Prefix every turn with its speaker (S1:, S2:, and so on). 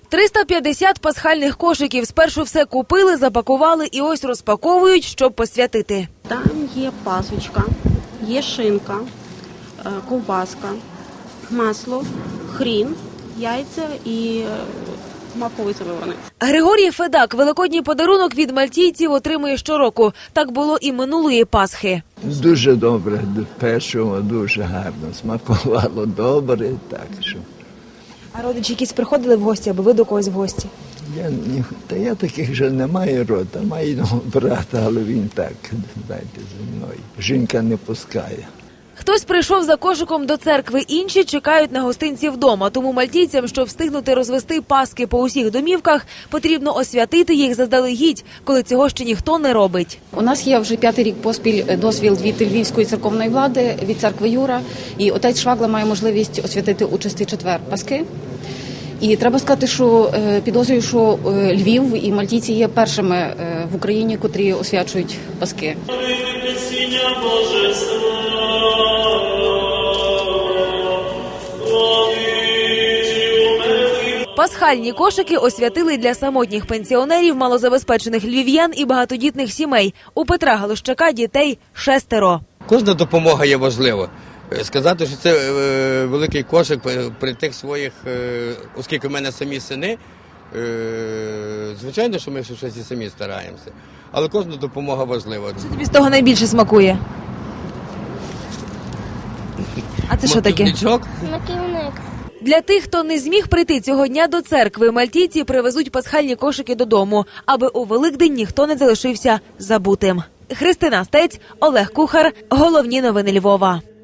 S1: 350 пасхальних кошиків. Спершу все купили, запакували і ось розпаковують, щоб посвятити.
S2: Там є пасочка, є шинка, ковбаска, масло, хрін, яйця і маковий завиваний.
S1: Григорій Федак великодній подарунок від мальтійців отримує щороку. Так було і минулої Пасхи.
S3: Дуже добре, печиво, дуже гарно, смакувало добре, так що.
S1: А родичі якісь приходили в гості, або ви до когось в гості?
S3: Я таких вже не маю рота, маю брата, але він так, знаєте, зі мною. Жінка не пускає.
S1: Хтось прийшов за кошиком до церкви, інші чекають на гостинці вдома. Тому мальтійцям, щоб встигнути розвести паски по усіх домівках, потрібно освятити їх заздалегідь, коли цього ще ніхто не робить.
S4: У нас є вже 5-й рік поспіль дозвіл від Львівської церковної влади, від церкви Юра. І отець Швагла має можливість освятити участі четвер Паски. І треба сказати, що підозрюю, що Львів і мальтійці є першими в Україні, котрі освячують Паски.
S1: Пасхальні кошики освятили для самотніх пенсіонерів, малозабезпечених львів'ян і багатодітних сімей. У Петра Галущака дітей 6.
S5: Кожна допомога є важлива. Сказати, що це великий кошик при тих своїх, оскільки в мене самі сини, звичайно, що ми щось і самі стараємося. Але кожна допомога важлива.
S1: Що тобі з того найбільше смакує? А це що таке?
S6: Маківник.
S1: Для тих, хто не зміг прийти цього дня до церкви, мальтійці привезуть пасхальні кошики додому, аби у Великдень ніхто не залишився забутим. Христина Стець, Олег Кухар. Головні новини Львова.